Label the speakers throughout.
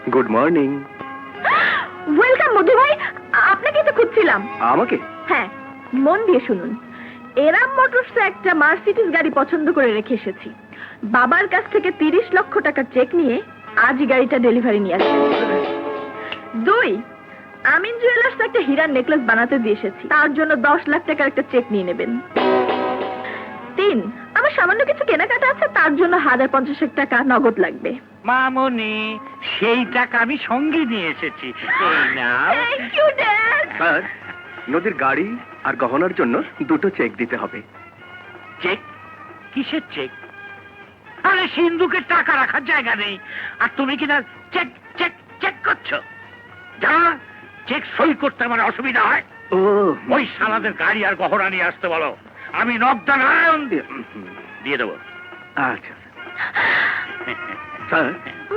Speaker 1: Good morning.
Speaker 2: Welcome মধু ভাই, আপনাকে তো খুঁজছিলাম।
Speaker 1: আমাকে?
Speaker 2: হ্যাঁ, মন দিয়ে শুনুন। এরাম মোটরসে একটা মার্সিডিজ গাড়ি পছন্দ করে রেখে এসেছি। বাবার কাছ থেকে 30 লক্ষ টাকা চেক নিয়ে আজই গাড়িটা ডেলিভারি নিয়ে আসবেন। 2, আমিন জুয়েলার্স একটা হীরার নেকলেস বানাতে দিয়ে এসেছি, তার জন্য 10 লাখ টাকার একটা চেক নিয়ে নেবেন। 3, আমার সামান্য কিছু কেনাকাটা আছে, তার জন্য 1050 টাকা নগদ লাগবে।
Speaker 3: মামনি, সেই টাকা আমি সঙ্গে নিয়ে এসেছি। এই নাও।
Speaker 2: Thank you dad.
Speaker 1: স্যার, নদীর গাড়ি আর গহনার জন্য 2টো চেক দিতে হবে।
Speaker 3: চেক? কিসের চেক? আরে সিন্ধুকে টাকা রাখার জায়গা নেই, আর তুমি কিনা চেক চেক চেক করছো। যা, চেক সই করতে আমার অসুবিধা হয়।
Speaker 1: ও,
Speaker 3: ওই সালাদের গাড়ি আর গহনা নিয়ে আসতে বলো, আমি নগদা নারায়ণ দিয়ে দেবো।
Speaker 1: আচ্ছা স্যার,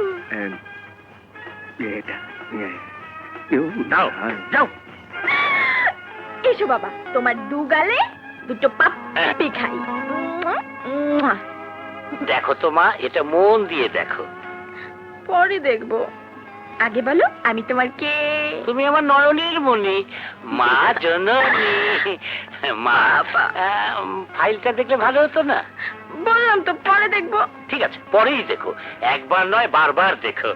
Speaker 1: এটা
Speaker 3: দাও, যাও।
Speaker 2: এসো বাবা, তোমার 2 গালে 2টো পাপ্পি খাই।
Speaker 3: দেখো তো মা, এটা মন দিয়ে দেখো।
Speaker 2: পরে দেখবো, আগে বলো আমি তোমার কে?
Speaker 3: তুমি আমার নয়নের মনি, মা জননী। মা, ফাইলটা দেখলে ভালো হতো না?
Speaker 2: বললাম তো পরে দেখবো।
Speaker 3: ঠিক আছে, পরেই দেখো, একবার নয় বারবার দেখো।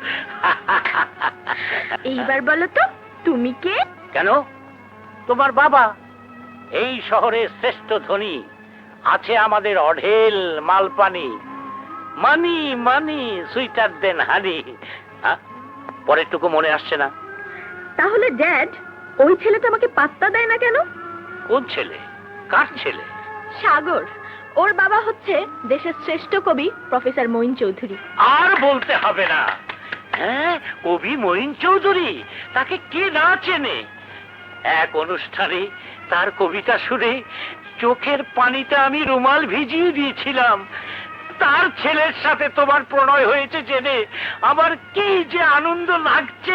Speaker 2: এইবার বলো তো তুমি কে?
Speaker 3: কেন? তোমার বাবা এই শহরের শ্রেষ্ঠ ধনী, আছে আমাদের অঢেল মালপানি, মানি মানি সুইটার দেন হানি। পরেরটুকু মনে আসছে না?
Speaker 2: তাহলে ড্যাড, ওই ছেলেটা আমাকে পাত্তা দেয় না কেন?
Speaker 3: কোন ছেলে? কার ছেলে?
Speaker 2: সাগর। ওর বাবা হচ্ছে দেশের শ্রেষ্ঠ কবি প্রফেসর মঈন চৌধুরী।
Speaker 3: আর বলতে হবে না। হ্যাঁ, কবি মঈন চৌধুরী, তাকে কে না চেনে? এক অনুষ্ঠানে তার কবিতা শুনে চোখের পানিতে আমি রুমাল ভিজিয়ে দিয়েছিলাম। তার ছেলের সাথে তোমার প্রণয় হয়েছে জেনে আমার কি যে আনন্দ লাগছে।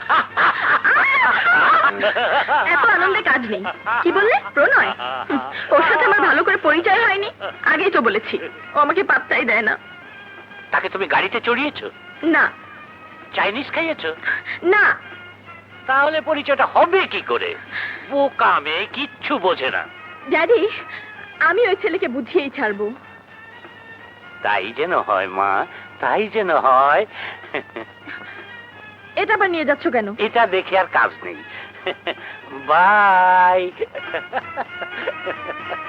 Speaker 2: এত আনন্দে কাজ নেই। কি বললে? প্রণয়? ওর সাথে আমার ভালো করে পরিচয় হয়নি, আগেই তো বলেছি। ও আমাকে পাত্তাই দেয় না।
Speaker 3: তাকে তুমি গাড়িতে চড়িয়েছো?
Speaker 2: না
Speaker 3: চাইনিজ খাইয়েছো?
Speaker 2: না।
Speaker 3: তাহলে পরিচয়টা হবে কি করে? বোকা মেয়ে, কিচ্ছু বোঝে না।
Speaker 2: ড্যাডি, আমি ওই ছেলেকে বুঝিয়েই ছাড়বো।
Speaker 3: তাই যেন হয় মা, তাই যেন হয়।
Speaker 2: এটা আবার নিয়ে যাচ্ছ কেন?
Speaker 3: এটা দেখে আর কাজ নেই। বাই।